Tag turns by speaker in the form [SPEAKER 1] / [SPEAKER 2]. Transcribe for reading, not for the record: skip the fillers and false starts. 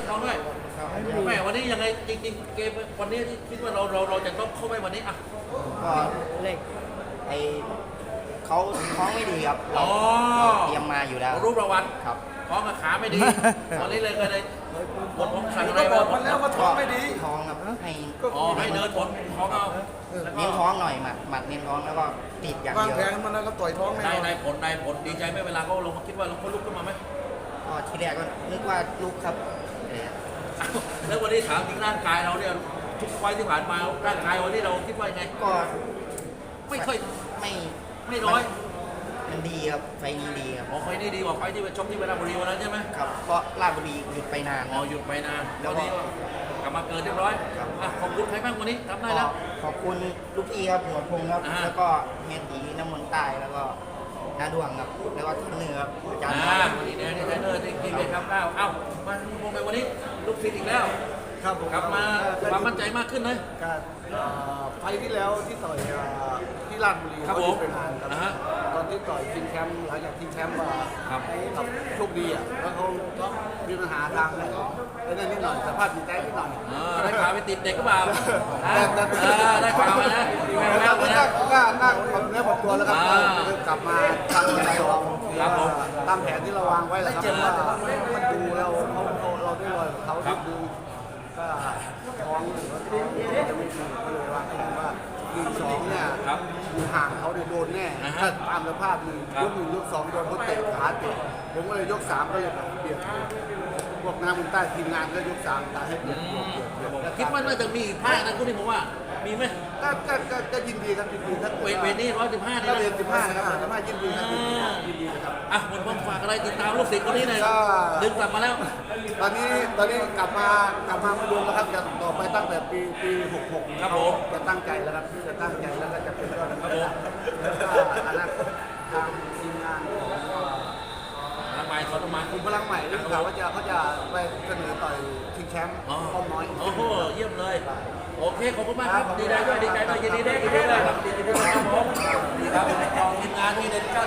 [SPEAKER 1] ทองด้วยแม่วันนี้ยังไงจริงๆเกมวันนี้คิดว่าเราจะต้องเข้าไปวันนี้อ่ะ
[SPEAKER 2] ก็เลขไอเขาท้องไม่ดีครับเราเตรียมมาอยู่แล้ว
[SPEAKER 1] รูปรางวัล
[SPEAKER 2] ครับ
[SPEAKER 1] ท้องกับขาไม่ดีวันนี้เลยก็เลยบทของขังอะไร
[SPEAKER 3] ก็บอกมันแล้วว่าท้องไม่ดี
[SPEAKER 2] ท้องครับให้
[SPEAKER 1] อ๋อให้เดินผลท้องเอา
[SPEAKER 2] เน้นท้องหน่อยหมัดเน้นท้องแล้วก็ติดอย่าง
[SPEAKER 3] วาง
[SPEAKER 2] เดียว
[SPEAKER 3] แผนมันแล้วก็ต่อยท้องแน่นอน
[SPEAKER 1] ได้ผลดีใจไหมเวลาเขาลงมาคิดว่าเราเขาลุกขึ้นมาไหม
[SPEAKER 2] ก็ทีแรกก็นึกว่าลูกครับเออ
[SPEAKER 1] แล้ววันนี้ถามถึงร่างกายเราเนี่ยทุกไฟล์ที่ผ่านมาร่างกายวันนี้เราคิดว่ายังไง
[SPEAKER 2] ก็
[SPEAKER 1] ไม่ค่อย
[SPEAKER 2] ไม่
[SPEAKER 1] ไม่น้อย
[SPEAKER 2] มันดีครับไฟนี้ดีครับ
[SPEAKER 1] อ๋อไฟล์นี้ดีกว่าไฟล์ที่ไปชกที่เวลาบุรีวันนั้นใช่ไหม
[SPEAKER 2] ครับเพราะราชบุรีหยุดไปนาน
[SPEAKER 1] อ๋อหยุดไปนานวันนี้กลับมาเกิดเรียบร้อยอ่ะขอบคุณใครบ้างวันนี้ทำได้แล้ว
[SPEAKER 2] ขอบคุณลูกพี่ครับหัวพงครับ
[SPEAKER 1] อ่า
[SPEAKER 2] แล้วก็เมตีน้ำมนต์ใต้แล้วก็นาดวงครับแล้วก็เทรนเนอร์ครับอาจารย์
[SPEAKER 1] วันนี้เนี่ยเทรนเนอร์ที่กินไปครับข้าวเอ้ามาพงไปวันนี้ลูกศิษย์อีกแล้ว
[SPEAKER 3] ครับผม
[SPEAKER 1] กลับมาความมั่นใจมากขึ้นเลย
[SPEAKER 3] การไฟล์ที่แล้วที่ต่อยที่ราชบุรี
[SPEAKER 1] ครับผม
[SPEAKER 3] เป็นนานครับ
[SPEAKER 1] อ่าฮะ
[SPEAKER 3] ตอนที่ต่อยชิงแชมป์หลังจากชิงแชมป์มา
[SPEAKER 1] ครับ
[SPEAKER 3] ครับโชคดีอ่ะแล้วเขาก็มีปัญหาทางไหนไอ้นั่นนิดหน่อยสภาพจิตใจนิดหน่อย
[SPEAKER 1] ได้ข่าวไปติดเด็กก็เปล่า
[SPEAKER 3] แต่
[SPEAKER 1] ได้ข่าวมานะแม่แม่
[SPEAKER 3] ก็
[SPEAKER 1] มานะ
[SPEAKER 3] นั่งความเนื้อความตัวแล้วครับ
[SPEAKER 1] อ่า
[SPEAKER 3] กลับมาทำอะไรเรา
[SPEAKER 1] ครับผม
[SPEAKER 3] ตามแผนที่เราวางไว้แหละครับว่ามันดูเราเราได้รอยกับเขา
[SPEAKER 1] ครับ
[SPEAKER 3] ดูก็ท้องหรือว่าท้องจะไม่ดีก็เลยวางแผนว่า1-2เนี่ย
[SPEAKER 1] ครับ
[SPEAKER 3] อยู่ห่างเขาเนี่ยโดนแน่
[SPEAKER 1] อ่าฮะ
[SPEAKER 3] ถ้าตามสภาพหนึ่ง
[SPEAKER 1] ครับ
[SPEAKER 3] ยก 1 ยก 2โดนเขาเตะขาเตะผมก็เลยยก 3ก็เลยแบบเปลี่ยนพวกน้ำมันใต้ทีมงานก็ยก3ตาให้เปลี่ยนแล้ว
[SPEAKER 1] คิดว่าน่าจะมีอีกภาคนะคุณนี่ผมว่ามีไหม
[SPEAKER 3] ก็ยินดีครับยินดีครับ
[SPEAKER 1] เวทนี้115นี่
[SPEAKER 3] ถ้า
[SPEAKER 1] นะ
[SPEAKER 3] เรียน15นะครับ15ยินดีครับยินดีนะครับ
[SPEAKER 1] อ่ะหมดความฝากอะไรติดตามลูกศิษย์คนนี้หน่อย
[SPEAKER 3] ก็
[SPEAKER 1] ดึงกลับมาแล้ว
[SPEAKER 3] ตอนนี้กลับมาไม่รวมแล้วครับจะต่อไปตั้งแต่ปี66
[SPEAKER 1] ครับผม
[SPEAKER 3] จะตั้งใจแล้วครับจะตั้งใจแล้วก็จะเป็นยอดนัก
[SPEAKER 1] ครับ
[SPEAKER 3] กี
[SPEAKER 1] ผม
[SPEAKER 3] ฬาแล้วก็อนาคตทางทีมงานของ
[SPEAKER 1] ทำไมเขาต้องมา
[SPEAKER 3] กลุ่มพลังใหม่ได้ข่าวว่าเขาจะไปเสนอต่อยชิงแชมป์
[SPEAKER 1] อ๋อ
[SPEAKER 3] ป้อมน้อย
[SPEAKER 1] โอ้โหเยี่ยมเลย โอเคขอบคุณมากครับดีใจด้วยยินดีด้วยครับยินดีด้วยครับยินดีด้วยครับผมดีครับทีมงานที่เด็ด